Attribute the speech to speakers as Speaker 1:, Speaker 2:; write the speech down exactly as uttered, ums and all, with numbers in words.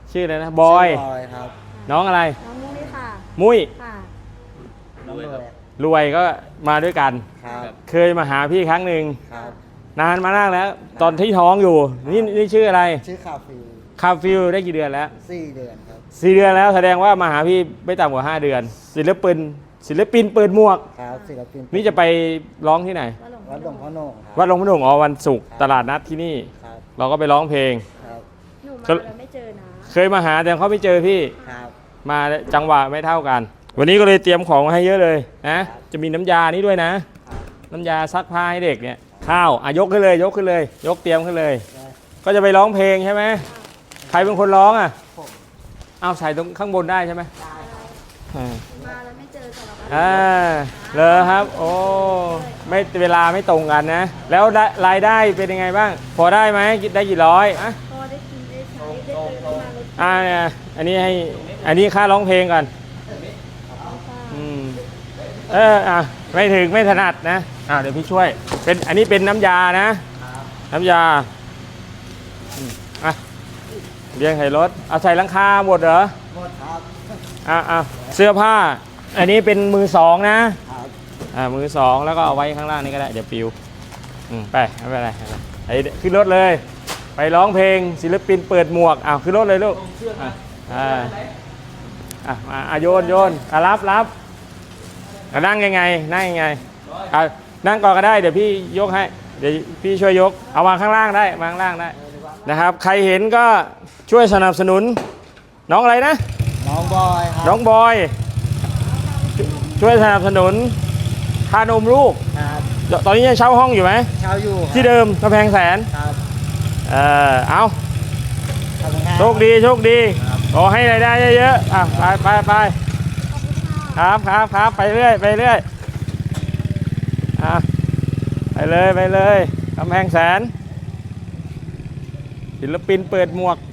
Speaker 1: ชื่ออะไรนะบอย
Speaker 2: บอยครับ
Speaker 1: น้องอะไร
Speaker 3: น้องมุ้ยค่ะ
Speaker 1: มุ้ย
Speaker 3: ค่ะ
Speaker 2: น้องรวย
Speaker 1: รวยก็มาด้วยกัน
Speaker 2: ครับ
Speaker 1: เคยมาหาพี่ครั้งหนึ่ง
Speaker 2: ครับ
Speaker 1: นานมานั่งแล้ว ตอนที่ท้องอยู่ นี่นี่ชื่ออะไร
Speaker 2: ชื่อคาฟิล
Speaker 1: คาฟิลได้กี่เดือนแล้ว
Speaker 2: สี่เดือนครับ
Speaker 1: สี่เดือนแล้วแสดงว่ามาหาพี่ไม่ต่ำกว่าห้าเดือน ศิลปินศิลปินเปิดหมวก
Speaker 2: ครับศิลปิน
Speaker 1: นี่จะไปร้องที่ไหน
Speaker 3: วัดหลวง
Speaker 2: วัดหลวงพ่อโหน่งครับ
Speaker 1: วัดหลวงพ่อหนุ่มอ๋อวันศุกร์ตลาดนัดที่นี่
Speaker 2: ครับ
Speaker 1: เราก็ไปร้องเพลง
Speaker 2: ครับ
Speaker 3: หนูมาแล้วไม่เจอนะ
Speaker 1: เคยมาหาแต่เขาไม่เจอพี่
Speaker 2: ครับ
Speaker 1: มาจังหวะไม่เท่ากัน วันนี้ก็เลยเตรียมของมาให้เยอะเลยนะ จะมีน้ำยานี้ด้วยนะ
Speaker 2: ครับ
Speaker 1: น้ำยาซักผ้าให้เด็กเนี่ย ข้าวอ่ะยกขึ้นเลย ยกขึ้นเลย ยกเตรียมขึ้นเลย
Speaker 2: ได้
Speaker 1: ก็จะไปร้องเพลงใช่ไหมใครเป็นคนร้องอ่ะ
Speaker 2: ผม
Speaker 1: เอาใส่ตรงข้างบนได้ใช่ไหมอ่า
Speaker 3: มาแล้วไม่เจอสารวัตร
Speaker 1: อ่าเลยครับ โอ้ไม่เวลาไม่ตรงกันนะ แล้วได้รายได้เป็นยังไงบ้าง พอได้ไหมได้กี่ร้อยอ่ะ
Speaker 3: พอได้กินได้ใช้ได้เจอได้มาเลย
Speaker 1: อ่าเนี่ยอันนี้ให้อันนี้ค่าร้องเพลงก่อนอืมเอออ่ะไม่ถึงไม่ถนัดนะอ่าเดี๋ยวพี่ช่วยเป็นอันนี้เป็นน้ำยานะ น้ำยาอืมอ่ะเรียงใส่รถเอาใส่หลังคาหมดเหรอ
Speaker 2: หมดครับ
Speaker 1: อ่ะอ่ะเสื้อผ้า อันนี้เป็นมือสองนะครับ อ่ามือสองแล้วก็เอาไว้ข้างล่างนี้ก็ได้เดี๋ยวปิวอืมไปไม่เป็นไรไม่เป็นไรไอ้ขึ้นรถเลย ไปร้องเพลงศิลปินเปิดหมวกอ้าวขึ้นรถเลยลูกอ่ะอ่าอ่ะมาอ่ะโยนโยนอ่ะรับรับอ่ะนั่งยังไงนั่งยังไงอ่ะนั่งก่อนก็ได้เดี๋ยวพี่ยกให้เดี๋ยวพี่ช่วยยกเอาวางข้างล่างได้วางข้างล่างได้นะครับ ใครเห็นก็ช่วยสนับสนุนน้องอะไรนะ
Speaker 2: น้องบอยครับ
Speaker 1: น้องบอย ช่วยสนับสนุนค่านมลูก
Speaker 2: ครับ
Speaker 1: ตอนนี้ยังเช่าห้องอยู่ไหม
Speaker 2: เช่าอยู่ครับ
Speaker 1: ที่เดิมกำแพงแสน
Speaker 2: ครับ
Speaker 1: เออเอา
Speaker 2: ขอบคุณครับ
Speaker 1: โชคดีโชคดีขอให้รายได้เยอะๆอ่ะไปไปไปครับครับครับไปเรื่อยไปเรื่อยอ่ะไปเลยไปเลยกำแพงแสนศิลปินเปิดหมวก